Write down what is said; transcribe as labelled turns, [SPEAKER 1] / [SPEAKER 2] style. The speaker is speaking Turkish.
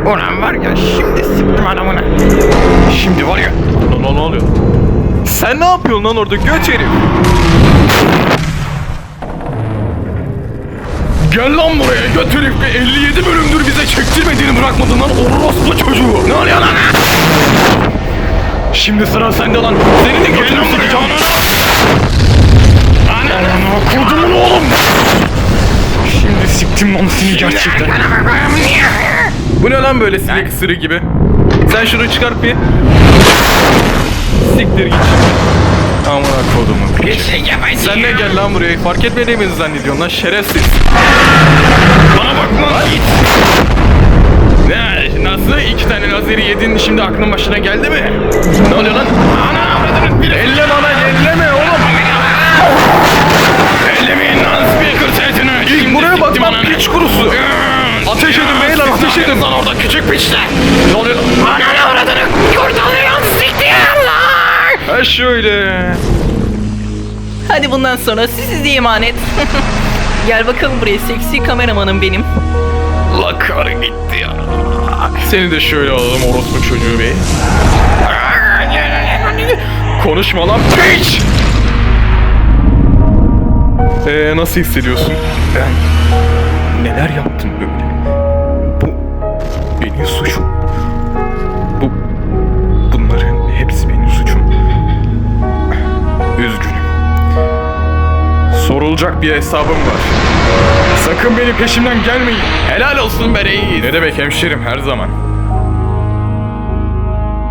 [SPEAKER 1] Ulan var ya şimdi sıktım adamına. Şimdi var ya.
[SPEAKER 2] Lan ne oluyor? Sen ne yapıyorsun lan orada göç herif? Gel lan buraya göt herif. 57 bölümdür bize çektirmediğini bırakmadın lan orospu çocuğu.
[SPEAKER 1] Ne oluyor lan?
[SPEAKER 2] Şimdi sıra sende lan. Senin de götünü sikeceğim.
[SPEAKER 1] Ana kodumun oğlum.
[SPEAKER 2] Şimdi siktim lan seni gerçekten. Bu ne lan böyle sinek ısırığı gibi? Sen şunu çıkart bir. Siktir git. Amına kodumun piç. Sen de gel lan buraya. Fark etmediğimizi zannediyorsun lan şerefsiz.
[SPEAKER 1] Bana bakma git.
[SPEAKER 2] Ne? Nasıl? 2 tane lazeri yedin şimdi aklın başına geldi mi? Ne oluyor lan?
[SPEAKER 1] Ana avradını bir
[SPEAKER 2] Elleme ana elleme oğlum.
[SPEAKER 1] ellemeyin lan speaker setini.
[SPEAKER 2] İlk buraya bak lan piç kurusu. Ateş edin beyler ateş edin.
[SPEAKER 1] Lan orada küçük piçler.
[SPEAKER 2] Ne oluyor?
[SPEAKER 1] Ana avradını kurtarıyor siktir.
[SPEAKER 2] Ha şöyle.
[SPEAKER 3] Hadi bundan sonra size emanet. Gel bakalım buraya seksi kameramanım benim.
[SPEAKER 2] La karı gitti ya. Seni de şöyle alalım orospu çocuğu bey. Konuşma lan piç. Nasıl hissediyorsun? Ben neler yaptım böyle? Bu benim suçum. Bunların hepsi benim suçum. Üzgünüm. Sorulacak bir hesabım var. Sakın benim peşimden gelmeyin.
[SPEAKER 1] Helal olsun be reis.
[SPEAKER 2] Ne demek hemşerim her zaman.